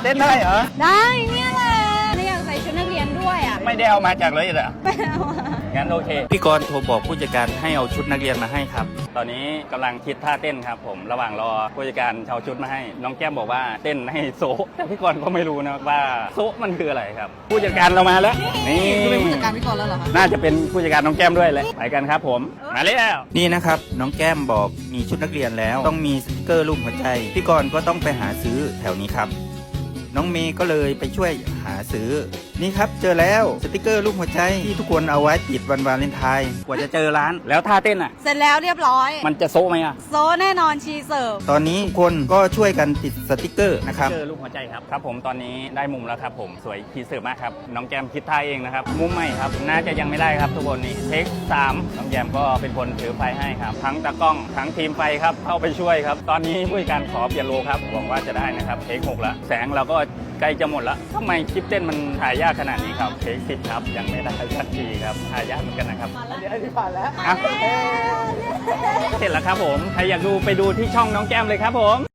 เต้นได้เหรอได้เนี่ยแหละอยากใส่ชุดนักเรียนด้วยอ่ะไม่ได้เอามาจากเลยเหรอไม่เอางั้นโอเคพี่กรณ์โทรบอกผู้จัดการให้เอาชุดนักเรียนมาให้ครับตอนนี้กำลังคิดท่าเต้นครับผมระหว่างรอผู้จัดการเอาชุดมาให้น้องแก้มบอกว่าเต้นให้โซะแต่พี่กรณ์ก็ไม่รู้นะว่าโซะมันคืออะไรครับผู้จัดการเรามาแล้วนี่เป็นผู้จัดการพี่กรณ์แล้วเหรอคะน่าจะเป็นผู้จัดการน้องแก้มด้วยเลยไปกันครับผมมาแล้วนี่นะครับน้องแก้มบอกมีชุดนักเรียนแล้วต้องมีสติกเกอร์รูปหัวใจพี่กรณ์ก็ต้องไปหาซื้อแถวนี้ครับน้องเมย์ก็เลยไปช่วยหาซื้อนี่ครับเจอแล้วสติกเกอร์รูปหัวใจที่ทุกคนเอาไว้ติดวันวาเลนไทน์กว่าจะเจอร้านแล้วท่าเต้นอ่ะเสร็จแล้วเรียบร้อยมันจะโซไหมอ่ะโซแน่นอนชีเสิร์ฟตอนนี้ทุกคนก็ช่วยกันติดสติกเกอร์นะครับสติกเกอร์รูปหัวใจครับครับผมตอนนี้ได้มุมแล้วครับผมสวยชีเสิร์ฟมากครับน้องแก้มคิดท่าเองนะครับมุมใหม่ครับน่าจะยังไม่ได้ครับทุกคนนี่เทค3น้องแก้มก็เป็นคนถือไฟให้ครับทั้งตากล้องทั้งทีมไฟครับเข้าไปช่วยครับตอนนี้ผู้จัดการขอเปลี่ยนโลครับหวังว่าจะได้นะครับเทค6แล้วแสงเราก็ใกล้จะหมดแล้วทำไมคลิปเต้นมันถ่ายยากขนาดนี้ครับเทค10ครับยังไม่ได้สักทีครับถ่ายยากเหมือนกันนะครับเดี๋ยวที่ผ่านแล้วเสร็จแล้วครับผมใครอยากดูไปดูที่ช่องน้องแก้มเลยครับผม